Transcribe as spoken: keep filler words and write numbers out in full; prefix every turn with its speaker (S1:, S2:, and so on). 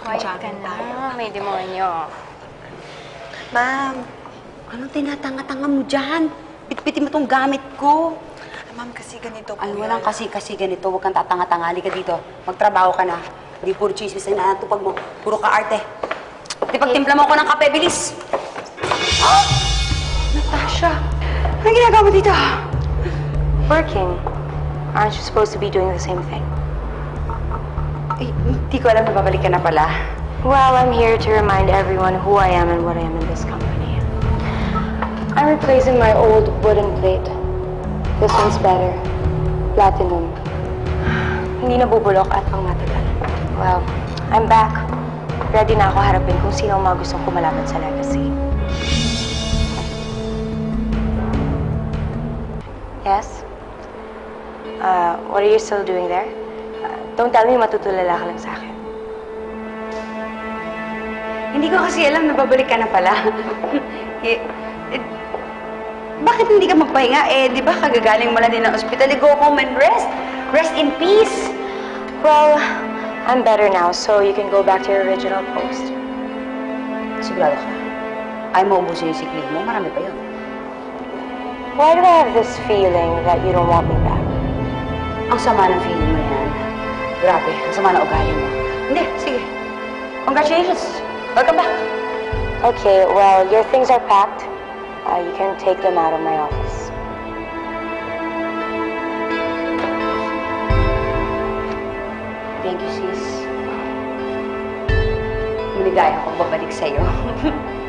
S1: Quiet ka na. May demonyo.
S2: Ma'am, anong tinatanga-tanga mo dyan? Pitpitin mo tong gamit ko.
S3: Ma'am, kasi ganito po
S2: Ay,
S3: yun.
S2: walang kasi-kasi ganito. Huwag kang tatanga-tanga. Halika dito. Magtrabaho ka na. Hindi puro chismis na natupag mo. Puro ka arte. Di pagtimpla mo ako ng kape, bilis! Oh! Natasha! Anong ginagawa mo dito?
S1: Working. Aren't you supposed to be doing the same thing?
S2: Eh, hindi ko alam na babalik ka na pala.
S1: Well, I'm here to remind everyone who I am and what I am in this company. I'm replacing my old wooden plate. This one's better. Platinum. Hindi nabubulok at pang matagal. Well, I'm back. Ready na ako harapin kung sino ang mga gustong kumalaban sa legacy. Yes? Uh, what are you still doing there? Uh, don't tell me matutulala ka lang sa akin.
S2: Hindi ko kasi alam na babalik ka na pala. eh, eh, bakit hindi ka magpahinga? Eh, di ba kagagaling mo lang din ng ospital? Go home and rest. Rest in peace.
S1: Well, I'm better now, so you can go back to your original post.
S2: Sigurado ka. Ay mo ubusin yung sick leave mo. Marami pa yun.
S1: Why do I have this feeling that you don't want me back?
S2: Ang sama ng feeling mo yan. Grabe, ang sama ng ugali mo. Hindi, sige. Congratulations. Welcome back.
S1: Okay, well, your things are packed. Uh, you can take them out of my office.
S2: Thank you, sis. Maligaya akong babalik sa'yo.